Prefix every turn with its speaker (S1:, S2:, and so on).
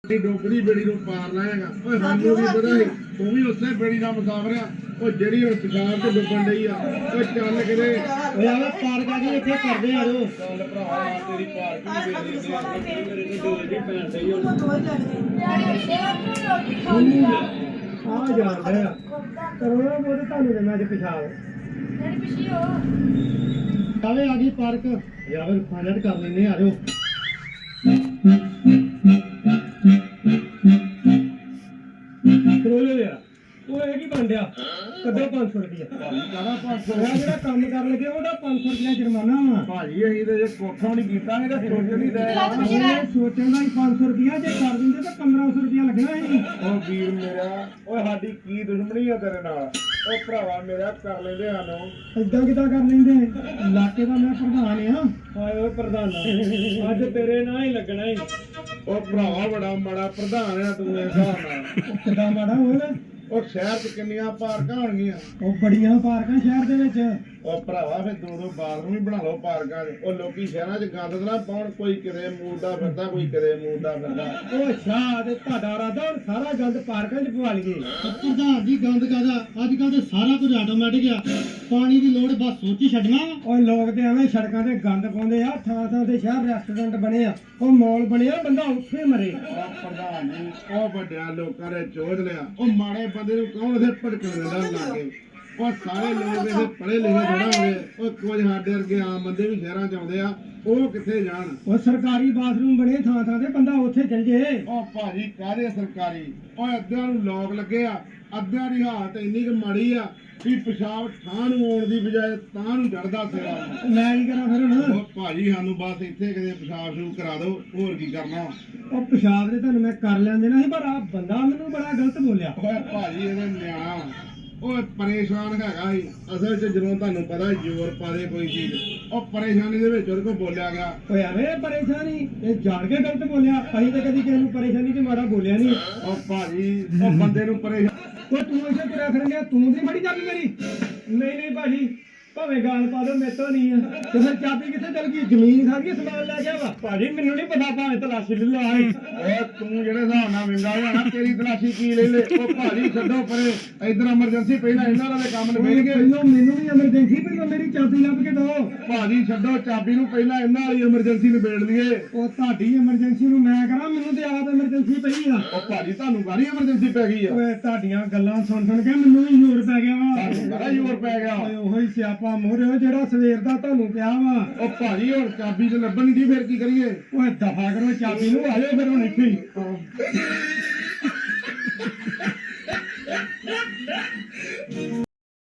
S1: ਡੋਗਰੀ ਬੇੜੀ ਨੂੰ ਪਾਰ ਲਾਏਗਾ ਓਏ ਸਾਨੂੰ ਵੀ ਪਤਾ ਸੀ ਤੂੰ ਵੀ ਉਸੇ ਬੇੜੀ ਦਾ ਮੁਸਾਫਰ ਆ ਉਹ ਜਿਹੜੀ ਹੁਣ ਸ਼ਿਕਾਰ ਤੇ ਡੁੱਬਣ ਡਈ ਆ ਓਏ ਚੱਲ ਕਿਤੇ ਓਏ ਆਵੇ ਪਾਰ ਕਾ ਜੀ ਇੱਥੇ ਕਰਦੇ ਆ ਜੋ ਚੱਲ ਭਰਾਵਾ ਤੇਰੀ ਪਾਰ ਕੀ ਮੇਰੇ ਨੂੰ ਡੋਲ ਦੀ ਭੈਣ ਡਈ ਆ ਜਾਂਦਾ ਆ ਕਰੋਨਾ ਮੋਦੇ ਤੁਹਾਨੂੰ ਦੇ ਮੈਂ ਅੱਜ ਪਿਛਾਲ
S2: ਡੈਡੀ ਪਿੱਛੇ ਹੋ
S1: ਕਾਵੇ ਆ ਗਈ ਪਾਰਕ ਜਾਂ ਫਿਰ ਫਾਈਨਲ ਕਰ ਲੈਨੇ ਆ ਜਾਓ ਕਰੋਲੇ ਯਾਰ ਉਹ ਇਹ ਕੀ ਬਣ ਡਿਆ ਕੱਢੋ 500 ਰੁਪਏ ਭਾਜੀ ਕਾਹਦਾ 500 ਆ ਜਿਹੜਾ ਕੰਮ ਕਰਨ ਲੱਗੇ ਉਹਦਾ 500 ਰੁਪਏ ਜੁਰਮਾਨਾ ਵਾ ਭਾਜੀ ਅਸੀਂ ਤੇ ਜੇ ਕੋਠਾ ਨਹੀਂ ਕੀਤਾ ਇਹਦਾ ਸੋਚ ਨਹੀਂ ਰਿਹਾ ਸੋਚਣ ਦਾ ਹੀ 500 ਰੁਪਏ ਜੇ ਕਰ ਦਿੰਦੇ ਤਾਂ 1500 ਰੁਪਏ ਲੱਗਣਾ ਸੀ ਉਹ ਵੀਰ ਮੇਰਾ ਓਏ ਸਾਡੀ ਕੀ ਦੁਸ਼ਮਣੀ ਆ ਤੇਰੇ ਨਾਲ ਉਹ ਭਰਾਵਾ ਮੇਰਾ ਕਰ ਲੈਂਦੇ ਸਾਨੂੰ ਏਦਾਂ ਕਿਦਾਂ ਕਰ ਲੈਂਦੇ ਇਲਾਕੇ ਦਾ ਮੈਂ ਪ੍ਰਧਾਨ ਆ ਹਾਏ ਓਏ ਪ੍ਰਧਾਨਾ ਅੱਜ ਤੇਰੇ ਨਾਲ ਹੀ ਲੱਗਣਾ ਹੀ ਉਹ ਭਰਾਵਾ ਬੜਾ ਮਾੜਾ ਪ੍ਰਧਾਨ ਆ ਤੂੰ ਇਸ ਹਿਸਾਬ ਨਾਲ ਕਿੱਦਾਂ ਮਾੜਾ ਹੋਇਆ ਉਹ ਸ਼ਹਿਰ 'ਚ ਕਿੰਨੀਆਂ ਪਾਰਕਾਂ ਹੋਣਗੀਆਂ ਉਹ ਬੜੀਆਂ ਪਾਰਕਾਂ ਸ਼ਹਿਰ ਦੇ ਵਿੱਚ ਉਹ ਭਰਾਵਾ ਫਿਰ ਦੋ ਬਾਥਰੂਮ ਵੀ ਬਣਾ ਲਓ ਪਾਰਕਾਂ 'ਚ ਉਹ ਲੋਕੀ ਸ਼ਹਿਰਾਂ 'ਚ ਗੰਦ ਨਾ ਪਾਉਣ ਕੋਈ ਕਿਤੇ ਮੂਰਦਾ ਫਿਰਦਾ ਕੋਈ ਕਿਤੇ ਮੂਰਦਾ ਫਿਰਦਾ ਉਹ ਸ਼ਾਹ ਤੇ ਤੁਹਾਡਾ ਰਾਦਾ ਹੁਣ ਸਾਰਾ ਗੰਦ ਪਾਰਕਾਂ 'ਚ ਪਵਾ ਲਈਏ ਪ੍ਰਧਾਨ ਜੀ ਗੰਦ ਕਾਹਦਾ ਅੱਜ ਕੱਲ ਤੇ ਸਾਰਾ ਕੁਝ ਆਟੋਮੈਟਿਕ ਆ ਪਾਣੀ ਦੀ ਲੋੜ ਬਸ ਸੋਚੀ ਛੱਡਣਾ ਉਹ ਲੋਕ ਤੇ ਐਵੇਂ ਸੜਕਾਂ ਤੇ ਗੰਦ ਪਾਉਂਦੇ ਆ ਥਾਂ ਥਾਂ ਤੇ ਸ਼ਹਿਰ ਰੈਸਟੋਰੈਂਟ ਬਣੇ ਆ ਉਹ ਮਾਲ ਬਣਿਆ ਬੰਦਾ ਉੱਥੇ ਮਰੇ ਪ੍ਰਧਾਨ ਜੀ ਉਹ ਵੱਡਿਆ ਲੋਕਾਂ ਨੇ ਚੋਦ ਲਿਆ ਉਹ ਮਾੜੇ ਬੰਦੇ ਨੂੰ ਕੌਣ ਇਥੇ ਭੜਕਣ ਦਿੰਦਾ ਲਾਗੇ ਉਹ ਸਾਰੇ ਲੋਕ ਇਹਦੇ ਪੜ੍ਹੇ ਲਿਖੇ ਥੋੜਾ ਹੁੰਦੇ ਉਹ ਕੁਝ ਸਾਡੇ ਵਰਗੇ ਆਮ ਬੰਦੇ ਵੀ ਸ਼ਹਿਰਾਂ 'ਚ ਆਉਂਦੇ ਆ ਉਹ ਕਿੱਥੇ ਜਾਣ ਉਹ ਸਰਕਾਰੀ ਬਾਥਰੂਮ ਬਣੇ ਥਾਂ ਥਾਂ ਤੇ ਬੰਦਾ ਉੱਥੇ ਚੱਲ ਜੇ ਉਹ ਭਾਜੀ ਕਾਹਦੇ ਸਰਕਾਰੀ ਉਹ ਅੱਧਿਆਂ ਨੂੰ ਲੋਕ ਲੱਗੇ ਆ ਅੱਧਿਆਂ ਦੀ ਹਾਲਤ ਇੰਨੀ ਕੁ ਮਾੜੀ ਆ ਵੀ ਪਿਸ਼ਾਬ ਠਾਂ ਨੂੰ ਆਉਣ ਦੀ ਬਜਾਏ ਤਾਂ ਨੂੰ ਚੜਦਾ ਸਿਰਾ ਮੈਂ ਕੀ ਕਰਾਂ ਫਿਰ ਹੁਣ ਉਹ ਭਾਜੀ ਸਾਨੂੰ ਬਸ ਇੱਥੇ ਕਿਤੇ ਪਿਸ਼ਾਬ ਸ਼ੁਰੂ ਕਰਾ ਦਿਓ ਹੋਰ ਕੀ ਕਰਨਾ ਉਹ ਪਿਸ਼ਾਬ ਦੇ ਤੁਹਾਨੂੰ ਮੈਂ ਕਰ ਲੈਂਦੇ ਨਾ ਸੀ ਪਰ ਆ ਬੰਦਾ ਮੈਨੂੰ ਬੜਾ ਗਲਤ ਬੋਲਿਆ ਓਏ ਭਾਜੀ ਇਹਦਾ ਨਿਆਣਾ ਉਹ ਪਰੇਸ਼ਾਨ ਹੈਗਾ ਸੀ ਅਸਲ 'ਚ ਜਦੋਂ ਤੁਹਾਨੂੰ ਪਤਾ ਜ਼ੋਰ ਪਾਦੇ ਕੋਈ ਚੀਜ਼ ਉਹ ਪਰੇਸ਼ਾਨੀ ਦੇ ਵਿੱਚ ਉਹਦੇ ਕੋਲ ਬੋਲਿਆ ਗਿਆ ਓਏ ਐਵੇਂ ਪਰੇਸ਼ਾਨੀ ਇਹ ਜਾਣ ਕੇ ਗਲਤ ਬੋਲਿਆ ਅਸੀਂ ਤਾਂ ਕਦੀ ਕਿਸੇ ਨੂੰ ਪਰੇਸ਼ਾਨੀ 'ਚ ਮਾੜਾ ਬੋਲਿਆ ਨਹੀਂ ਉਹ ਭਾਜੀ ਉਹ ਬੰਦੇ ਨੂੰ ਪਰੇਸ਼ਾਨ ਉਹ ਤੂੰ ਇੱਥੇ ਤੁਰਿਆ ਫਿਰਨ ਗਿਆ ਤੂੰ ਦੀ ਬੜੀ ਚਾਬੀ ਮੇਰੀ ਨਹੀਂ ਭਾਜੀ ਭਾਵੇਂ ਗਾਲ ਪਾ ਦੋ ਮੇਰੇ ਤੋਂ ਨਹੀਂ ਆ ਤੇ ਫਿਰ ਚਾਬੀ ਕਿੱਥੇ ਚਲ ਗਈ ਜ਼ਮੀਨ ਖਾ ਗਈ ਸਮਾਨ ਲੈ ਗਿਆ ਵਾ ਭਾਜੀ ਮੈਨੂੰ ਨਹੀਂ ਪਤਾ ਭਾਵੇਂ ਤਲਾਸ਼ੀ ਲੈ ਲਾ ਓਏ ਤੂੰ ਜਿਹੜੇ ਹਿਸਾਬ ਨਾਲ ਵਿੰਗਾ ਹੋਇਆ ਨਾ ਤੇਰੀ ਤਲਾਸ਼ੀ ਕੀ ਲੈ ਲੈ ਉਹ ਭਾਜੀ ਛੱਡੋ ਪਰੇ ਇਧਰ ਐਮਰਜੈਂਸੀ ਪਹਿਲਾਂ ਇਹਨਾਂ ਵਾਲੇ ਕੰਮ ਨਿਬੇੜ ਕੇ ਪਹਿਲਾਂ ਮੈਨੂੰ ਵੀ ਐਮਰਜੈਂਸੀ ਪਹਿਲਾਂ ਮੇਰੀ ਚਾਬੀ ਲੱਭ ਕੇ ਦੋ ਭਾਜੀ ਛੱਡੋ ਚਾਬੀ ਨੂੰ ਪਹਿਲਾਂ ਇਹਨਾਂ ਵਾਲੀ ਐਮਰਜੈਂਸੀ ਨਿਬੇੜ ਲਈਏ ਉਹ ਤੁਹਾਡੀ ਐਮਰਜੈਂਸੀ ਨੂੰ ਮੈਂ ਕਰਾਂ ਮੈਨੂੰ ਤੇ ਆਪ ਐਮਰਜੈਂਸੀ ਪਈ ਆ ਉਹ ਭਾਜੀ ਤੁਹਾਨੂੰ ਕਾਹਦੀ ਐਮਰਜੈਂਸੀ ਪੈ ਗਈ ਆ ਓਏ ਤੁਹਾਡੀਆਂ ਗੱਲਾਂ ਸੁਣ ਕੇ ਮੈਨੂੰ ਵੀ ਜ਼ੋਰ ਪੈ ਗਿਆ ਵਾ ਤੁਹਾਨੂੰ ਬੜਾ ਜ਼ੋਰ ਪੈ ਗਿਆ ਓਏ ਉਹੀ ਸਿਆਪਾ ਮੋਰਿਓ ਜਿਹੜਾ ਸਵੇਰ ਦਾ ਤੁਹਾਨੂੰ ਪਿਆ ਵਾ ਉਹ ਭਾਜੀ ਹੁਣ ਚਾਬੀ ਤੇ ਲੱਭਣ ਦੀ ਫਿਰ ਕੀ ਕਰੀਏ ਓਏ ਦਫਾ ਕਰੋ ਚਾਬੀ ਨੂੰ ਆ ਜਾਓ ਫਿਰ ਹੁਣ ਇੱਥੇ ਹੀ